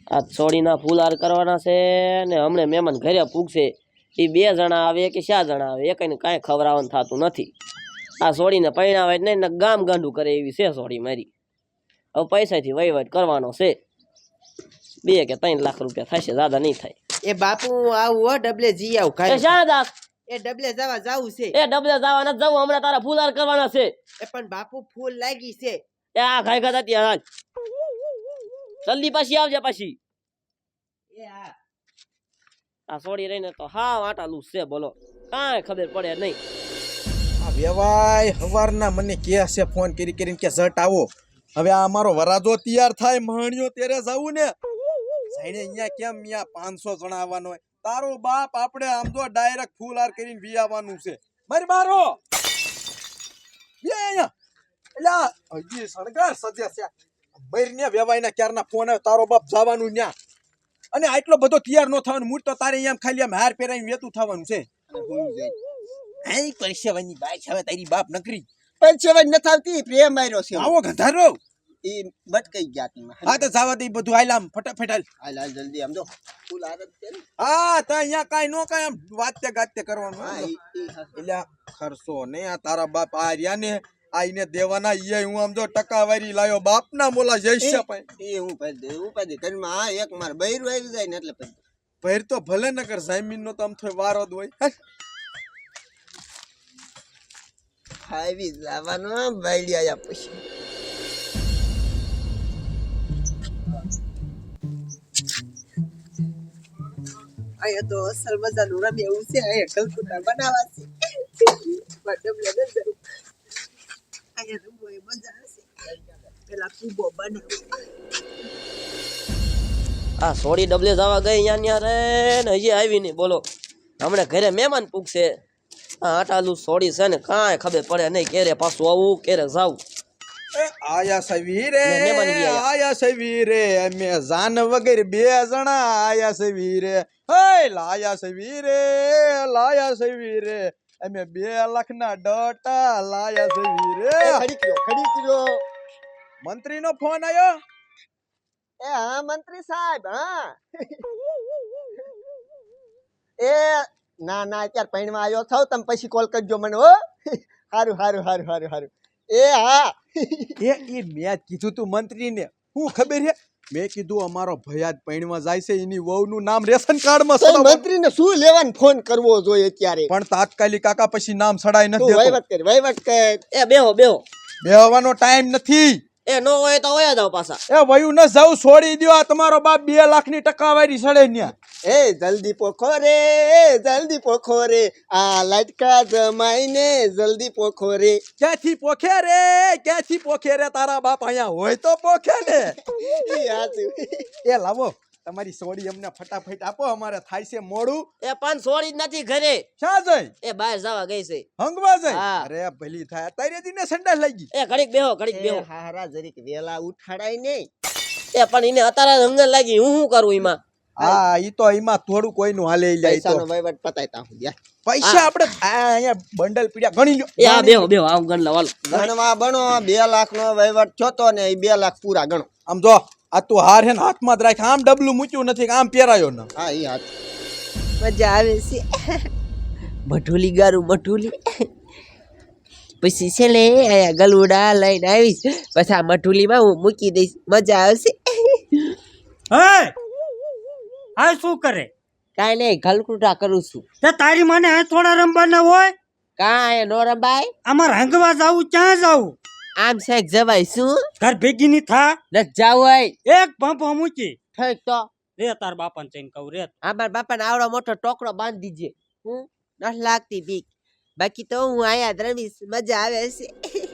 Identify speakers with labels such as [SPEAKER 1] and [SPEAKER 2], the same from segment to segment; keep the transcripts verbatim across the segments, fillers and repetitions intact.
[SPEAKER 1] આ છોડીના ફૂલહાર કરવાના છે ને હમણે મહેમાન ઘરે પૂગશે એ બે જણા આવે કે ચાર જણા આવે એકને કાંઈ ખવડાવવાનું થતું નથી આ છોડીને પૈણાવે નહીં ને ગામ ગાંડું કરે એવી છે છોડી મારી હવે પૈસાથી વહીવટ કરવાનો છે બે કે ત્રણ લાખ રૂપિયા થશે જ્યાદા નહીં થાય
[SPEAKER 2] એ બાપુ આવું હો ડબલે જી આવ
[SPEAKER 1] એ
[SPEAKER 2] કાઈ
[SPEAKER 1] શારદાસ
[SPEAKER 2] એ ડબલે જવા જાવું છે
[SPEAKER 1] એ ડબલે જવા નથી જવું હમણાં તારા ફૂલહાર કરવાના છે
[SPEAKER 2] એ પણ બાપુ ફૂલ લાગી છે
[SPEAKER 1] એ આ ખાઈ ખાતા ત્યાં જલ્દી પાછી આવજે પાછી
[SPEAKER 2] એ હા
[SPEAKER 1] આ છોડી રહીને તો હા વાટાલું છે બોલો કાંઈ ખબર પડે નહીં
[SPEAKER 3] આ વેવાય હવારના મને કે છે ફોન કરી કરીને કે ઝટ આવો હવે આ અમારો વરાજો તૈયાર થાય મહાણિયો તેરે જાવું ને સાઈડે અહીંયા કેમ અહીંયા પાંચસો જણા આવવાનો હોય તારો બાપ આપણે આમ તો ડાયરેક્ટ ફૂલ હાર કરીને વી આવવાનું છે મારી મારો બે અહીંયા એટલે હજી સણગાર સજ્યા છે મરીને વેવાયના ક્યારના ફોન આવે તારો બાપ જવાનું ન્યા અને આટલો બધો તૈયાર ન થવાનું મૂળ તો તારે અહીંયા ખાલી આમ હાર પહેરાઈને વેતું થવાનું છે આઈ પરસેવાની બાઈ છે હવે તારી બાપ નકરી
[SPEAKER 2] પરસેવાની ન થાવતી પ્રેમ આવ્યો છે
[SPEAKER 3] આવો ગંધારો
[SPEAKER 2] એ બટકાઈ ગયા તીમાં
[SPEAKER 3] હા તો જાવા દે બધું હાલ આમ ફટાફટ હાલ
[SPEAKER 2] હાલ હાલ જલ્દી આમ જો ફૂલ આરત છે ને
[SPEAKER 3] હા તો અહીંયા કાઈ નો કાઈ આમ વાતે ગાતે કરવાનું
[SPEAKER 2] હા
[SPEAKER 3] હા.
[SPEAKER 2] ઈ ઈ હા.
[SPEAKER 3] એટલે ખર્ચો ને આ તારા બાપ આ રહ્યા ને આઈને દેવાના ઈ હું આમ જો ટકાવારી લાયો બાપના મોલા જઈશે ભાઈ
[SPEAKER 2] એ હું પદ દે હું પદ ઘરમાં આ એક માર બૈરું આવી જાય ને એટલે પદ
[SPEAKER 3] ભેર તો ભલે નકર જમીન નો તો આમ થોય વારો જ હોય
[SPEAKER 2] આવી જવાનો બાયડી આયા પછી આયા તો અસલ મજાનું રમે એવું છે આયા કલકુટા બનાવા છે બડબલે ન જરૂર આયા રમવો એ મજા હશે પેલા કુબો બનાવે
[SPEAKER 1] આ છોડી ડબલે જવા ગઈ અહીંયા ન્યા રે ને હજી આવી નહીં બોલો હમણાં ઘરે મહેમાન પૂગશે આ આટાલું છોડી છે ને કાંઈ ખબર પડે નહીં ક્યારે પાછું આવું ક્યારે જાવું
[SPEAKER 3] એ આયા સવીરે
[SPEAKER 1] ને મહેમાન બી આયા.
[SPEAKER 3] આયા સવીરે અમે જાન વગર બે જણા આયા સવીરે હે લાયા સવીરે લાયા સવીરે અમે બે લાખ ના ડોટા લાયા સવીરે
[SPEAKER 2] ખડી કયો ખડી કયો
[SPEAKER 3] મંત્રી નો ફોન આયો
[SPEAKER 2] એ હા મંત્રી સાહેબ હા એ ના ના અત્યારે પૈણમાં આવ્યો થાવ તમે પછી કોલ કરજો મને હો હારું હારું હારું હારું હારું એ હા
[SPEAKER 3] એ એ મેં કીધું તું મંત્રી ને હું ખબર હે મેં કીધું અમારો ભયાદ પૈણમાં જાય છે એની વહુનું નામ રેશન કાર્ડ માં સડાવો.
[SPEAKER 2] મંત્રીને શું લેવાનું ફોન કરવો જોઈએ અત્યારે
[SPEAKER 3] પણ તાત્કાલિક કાકા પછી નામ સડાઈ
[SPEAKER 2] તું
[SPEAKER 3] નથી દેતો
[SPEAKER 2] વહીવટ કર વહીવટ કર
[SPEAKER 1] એ બેહો બેહો
[SPEAKER 3] બેહવાનો ટાઈમ નથી
[SPEAKER 1] એ નો હોય તો વયા જાવ પાછા
[SPEAKER 3] એ વયું ન જાવ છોડી દ્યો આ તમારો બાપ બે લાખ ની ટકાવારી સડે ન્યા
[SPEAKER 2] એ જલ્દી પોખો રે જલ્દી પોખો રે આ લટકા જમાઈને જલ્દી પોખો રે
[SPEAKER 3] ક્યાંથી પોખે રે ક્યાંથી પોખે રે તારા બાપ અહીંયા હોય તો પોખે ને
[SPEAKER 2] ઈ હાચું.
[SPEAKER 3] એ લાવો તમારી સોડી અમને ફટાફટ આપો અમારે થાય છે મોડું
[SPEAKER 1] એ પણ છોડી જ નથી ઘરે
[SPEAKER 3] ક્યાં જઈ
[SPEAKER 1] એ બહાર જવા ગઈ છે
[SPEAKER 3] હંગવા જઈ
[SPEAKER 1] હા.
[SPEAKER 3] અરે ભલી થાય તારે દીને સંડાસ લાગી
[SPEAKER 1] એ ઘડીક બેહો ઘડીક
[SPEAKER 2] એ
[SPEAKER 1] બેહો
[SPEAKER 2] હારા જરીક વેલા ઉઠાડાય નહીં
[SPEAKER 1] એ પણ એને અત્યારે હંગર લાગી હું શું કરું એમાં
[SPEAKER 3] હા ઈ તો એમાં થોડું કોઈનું હાલે ઈ જાય તો
[SPEAKER 2] પૈસાનો વહીવટ પતાયતા હું યાર
[SPEAKER 3] પૈસા આપણે આ અહીંયા બંડલ પીડ્યા ગણી લ્યો
[SPEAKER 1] એ હા બેહો બેહો આવ ગણ લાવ
[SPEAKER 2] ગણવા બનો બે લાખ નો વહીવટ થયો તો ને એ બે લાખ પૂરા ગણો
[SPEAKER 3] આમ જો આ તું હાર હે ને હાથમાં જ રાખ આમ ડબલું મૂક્યું નથી કે આમ પહેરાયો ને
[SPEAKER 2] હા ઈ હાથ મજા આવે છે મઠુલી ગારું મઠુલી પછી છે લે આયા ગલુડા લઈને આવીશ પછી આ મઠુલીમાં હું મૂકી દઈશ મજા આવશે
[SPEAKER 4] હે આ શું કરે
[SPEAKER 2] કાંઈ નહીં ગલકુટા કરું છું
[SPEAKER 4] તે તારી મને આ થોડા રમવાના હોય
[SPEAKER 2] કાંઈ નો રંબાઈ
[SPEAKER 4] અમાર હંગવા જાવું ક્યાં જાવું
[SPEAKER 2] આમ શેક જવાય શું
[SPEAKER 4] ઘર ભેગી ની થા
[SPEAKER 2] ન જાવાય
[SPEAKER 4] એક પંપો મૂકી
[SPEAKER 2] ઠીક તો
[SPEAKER 4] રે તાર બાપાને જઈને કહું રે
[SPEAKER 2] અમાર બાપાને આવડો મોટો ટોકરો બાંધી દીજે હું નથી લાગતી બીક બાકી તો હું આયા જ રમીશ મજા આવે છે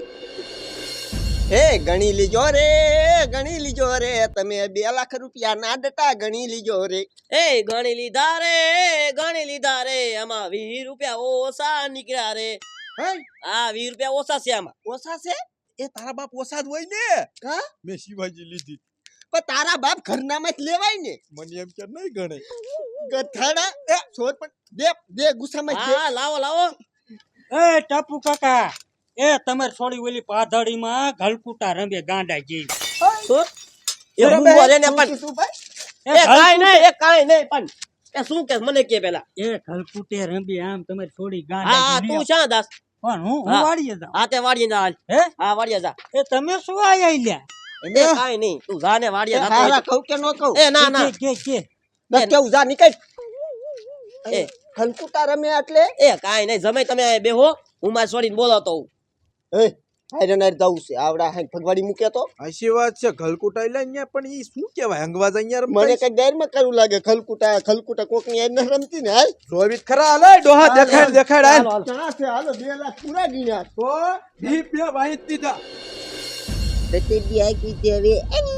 [SPEAKER 2] હે ગણી લીજો રે ગણી લીજો રે તમે બે લાખ રૂપિયા ના ડટા ગણી લીજો રે
[SPEAKER 1] એ ગણી લીધા રે ગણી લીધા રે આમાં વીસ રૂપિયા ઓછા નીકળ્યા રે
[SPEAKER 3] હે
[SPEAKER 1] હા વીસ રૂપિયા ઓછા છે આમાં
[SPEAKER 2] ઓછા છે
[SPEAKER 3] એ તારા બાપ ઓસાદ હોય ને
[SPEAKER 2] હા
[SPEAKER 3] મેં શિવાજી લીધી
[SPEAKER 2] પણ તારા બાપ ઘરનામાં જ લેવાય ને
[SPEAKER 3] મને એમ કે નહીં ગણે
[SPEAKER 2] ગથાડા એ છોડ પણ દે દે ગુસ્સામાં દે
[SPEAKER 1] હા લાવો લાવો
[SPEAKER 4] એ ટપુ કાકા એ તમારે છોડી ઓલી પાધડીમાં ગલકુટા રમે ગાંડા જેવી
[SPEAKER 1] શું એ હું બોલે ને પણ
[SPEAKER 2] શું ભાઈ
[SPEAKER 4] એ
[SPEAKER 1] એ કાંઈ નહીં એ કાંઈ નહીં પણ એ શું કે મને કે પેલા
[SPEAKER 4] એ ખલકુટે રંબી આમ તમારી થોડી ગાંડ
[SPEAKER 1] હા હા તું શા દાસ
[SPEAKER 4] પણ હું હું
[SPEAKER 1] હા.
[SPEAKER 4] વાડીએ જાઉં
[SPEAKER 1] હા તે વાડીએ જા હાલ.
[SPEAKER 4] હે
[SPEAKER 1] હા વાડીએ જા
[SPEAKER 4] એ તમે શું આયા લ્યા
[SPEAKER 1] એ કાંઈ નહીં તું જા ને વાડીએ જાતો હોય
[SPEAKER 2] હારા
[SPEAKER 1] તો.
[SPEAKER 2] કહું કે ન કહું
[SPEAKER 1] એ ના ના
[SPEAKER 4] કે કે
[SPEAKER 2] બસ કેવું જા નીકળ
[SPEAKER 1] એ
[SPEAKER 2] ખલકુટા રમે એટલે
[SPEAKER 1] એ કાંઈ નહીં જમે તમે અહીંયા બેહો હું મારી છોડીને બોલાવતો હોઉં
[SPEAKER 2] એ હારે નાર જવું છે આવડા હાંગ ફગવાડી મૂકે તો
[SPEAKER 3] હાચી વાત છે ગલકુટા એટલે અહીંયા પણ ઈ શું કહેવાય અંગવાજ અહીંયા
[SPEAKER 2] મને
[SPEAKER 3] રમતા
[SPEAKER 2] કઈ ડર માં કરવું લાગે ખલકુટા ખલકુટા કોક ની ન રમતી ને હાલ
[SPEAKER 3] જોવી ખરા હાલે ડોહા દેખાડ દેખાડ હાલ
[SPEAKER 1] હાલો, હાલો.
[SPEAKER 2] ક્યાં છે હાલો બે લાખ પૂરા ગીના
[SPEAKER 3] તો ઈ બે વાહી દીધા
[SPEAKER 2] તે બી આવી ગઈ હવે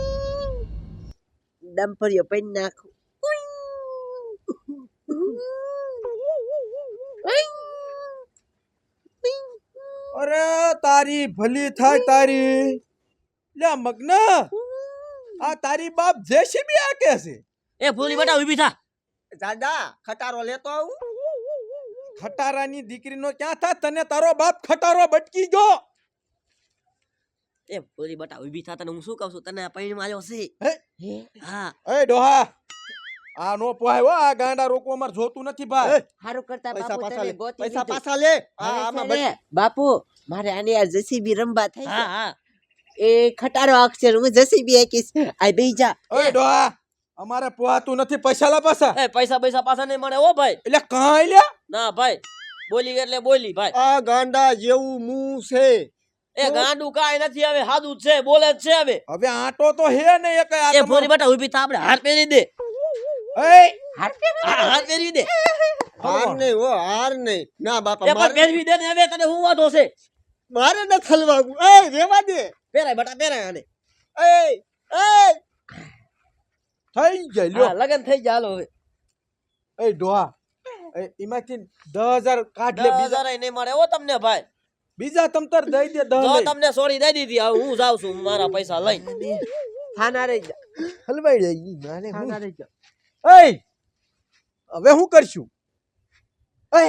[SPEAKER 2] ડમ્પરિયો પૈન નાખું
[SPEAKER 3] અરે તારી ભલી થાય તારી લે મગ્ન આ તારી બાપ જેસીબી આકે છે
[SPEAKER 1] એ ફૂલી બેટા ઊભી થા
[SPEAKER 2] દાદા ખટારો લેતો આવું
[SPEAKER 3] ખટારાની દીકરીનો ક્યાં થા તને તારો બાપ ખટારો બટકી ગયો
[SPEAKER 1] એ ફૂલી બેટા ઊભી થા તને હું શું કહું છું તને પૈણમાં આવ્યો છે
[SPEAKER 3] હે
[SPEAKER 1] હા
[SPEAKER 3] એ ડોહા આ નો પોહાય હો આ ગાંડા રોકો અમાર જોતું નથી ભાઈ
[SPEAKER 2] હારું કરતા
[SPEAKER 5] પૈસા
[SPEAKER 2] બાપુ
[SPEAKER 5] પાછા
[SPEAKER 2] તને
[SPEAKER 5] લે
[SPEAKER 2] ગોતી
[SPEAKER 5] પૈસા
[SPEAKER 2] દીધું.
[SPEAKER 5] પાછા લે આ
[SPEAKER 2] હવે
[SPEAKER 5] આમાં
[SPEAKER 2] છે
[SPEAKER 5] બચ-
[SPEAKER 2] ને, બાપુ મારે આને આ જેસીબી રમવા થાય
[SPEAKER 1] હા
[SPEAKER 2] છે
[SPEAKER 1] હા
[SPEAKER 2] એ ખટારો અક્ષર હું જેસીબી આકીશ આ બેહી જા
[SPEAKER 3] એ ડોહા અમારે પોહાતું નથી પૈસા લા પાછા
[SPEAKER 1] એ પૈસા પૈસા પાછા નહીં મળે ઓ ભાઈ
[SPEAKER 3] એટલે કાંઈ લે
[SPEAKER 1] ના ભાઈ બોલી એટલે બોલી ભાઈ
[SPEAKER 5] આ ગાંડા જેવું મું છે
[SPEAKER 1] એ ગાંડું કાંઈ નથી હવે હાદું જ છે બોલે જ છે હવે
[SPEAKER 3] હવે આટો તો હે ને એક આ
[SPEAKER 1] એ ફોરી બેટા ઊભી થા આપણે હાર પહેરી દે
[SPEAKER 3] એ
[SPEAKER 1] હા, હાર પહેરી દે
[SPEAKER 5] હાર નહીં હો હાર નહીં ના
[SPEAKER 1] એ
[SPEAKER 5] બાપા
[SPEAKER 1] પણ
[SPEAKER 5] મારે
[SPEAKER 1] પહેરવી દે ને હવે તને હું વાંધો છે
[SPEAKER 5] મારે ન થલવાવું એ રેવા દે
[SPEAKER 1] પહેરાય બેટા પહેરાય આને
[SPEAKER 5] એ એ
[SPEAKER 3] થઈ જાય લ્યો
[SPEAKER 1] હા લગન થઈ ગયા હાલો હવે
[SPEAKER 3] એ ડોહા એ એમાંથી દસ હજાર કાઢ લે
[SPEAKER 1] દસ
[SPEAKER 3] બીજા
[SPEAKER 1] હજાર નહીં મળે ઓ તમને ભાઈ
[SPEAKER 3] બીજા તમતર દઈ દે દસ
[SPEAKER 1] જો
[SPEAKER 3] લઈ.
[SPEAKER 1] તમને સોરી દઈ દીધી હવે હું જાઉં છું મારા પૈસા લઈને
[SPEAKER 2] થાના રહી જા
[SPEAKER 3] હલવાઈ જાય માને હું
[SPEAKER 2] થાના રહી જા
[SPEAKER 3] એ હવે હું કરશું એ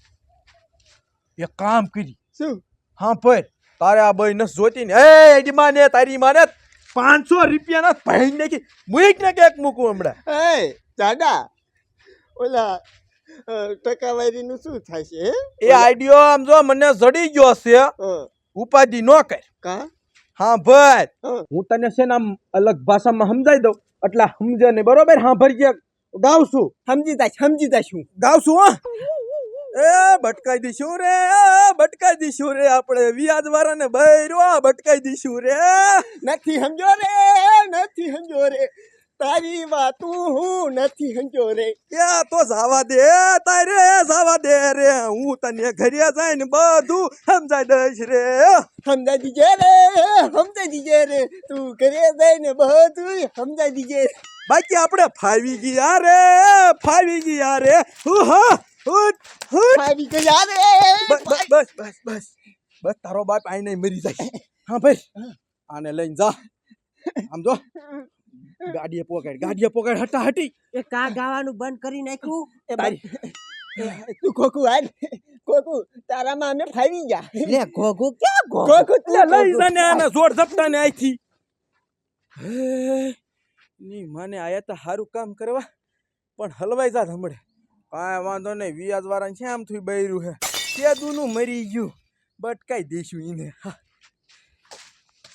[SPEAKER 3] એક કામ કરી
[SPEAKER 5] શું
[SPEAKER 3] હા ભાઈ તારે આ બઈ નસ જોતી ને એ એડી માને તારી માને પાંચસો રૂપિયા ના ભાઈ નાખી મુઈક ને કેક મૂકું હમણાં
[SPEAKER 5] એ દાદા ઓલા અ, ટકાવારીનું શું થાય છે હે?
[SPEAKER 3] એ આઈડિયો આમ જો મને જડી ગયો છે
[SPEAKER 5] હં,
[SPEAKER 3] ઉપાધિ નો કર
[SPEAKER 5] કા
[SPEAKER 3] હા ભાઈ
[SPEAKER 5] હં.
[SPEAKER 3] હું તને છે ને આમ અલગ ભાષામાં સમજાઈ દઉં એટલે સમજે ને બરોબર હા ભરી ગાવ છું
[SPEAKER 5] સમજી તા સમજી તા શું
[SPEAKER 3] ગાવ છું હા એ ભટકાઈ દઈશું રે એ ભટકાઈ દઈશું રે આપણે વ્યાજ વાળાને બૈરો ભટકાઈ દઈશું રે
[SPEAKER 5] નથી સમજો રે નથી સમજો રે તારી વાતું હું નથી સમજો રે
[SPEAKER 3] એ તો જવા દે તારે જવા દે રે હું તને ઘરે જઈને બધું સમજાઈ દઈશ રે
[SPEAKER 5] સમજાઈ દીજે રે સમજાઈ દીજે રે તું ઘરે જઈને બધું સમજાઈ દીજે
[SPEAKER 3] બાકી આપણે ફાવી ગયા રે ફાવી ગયા રે હું હા હું હું
[SPEAKER 5] ફાવી ગયા રે
[SPEAKER 3] બસ બસ બસ બસ બસ બસ તારો બાપ આઈ નહીં મરી જાય હા ભાઈ આને લઈને જા આમ જો ગાડીએ પોકેટ ગાડીએ પોકેટ હટા હટી
[SPEAKER 2] એ કા ગાવાનું બંધ કરી નાખ્યું
[SPEAKER 5] એ
[SPEAKER 3] તારી
[SPEAKER 5] તું ખોખું હાલ ખોખું તારામાં અમે ફાવી ગયા
[SPEAKER 2] લે ઘોઘો ક્યાં ઘોઘો
[SPEAKER 5] ખોખું તું
[SPEAKER 3] લે લઈ
[SPEAKER 5] ખોખું.
[SPEAKER 3] જાને આને જોડ ઝપટાને આઈથી હે ની માને આયા તો સારું કામ કરવા પણ હલવાઈ જાત હમણે કાંઈ વાંધો નહીં વ્યાજ વાળા છે આમ થયું બૈરું હે તે દૂનું મરી ગયું બટકાઈ દઈશું એને હા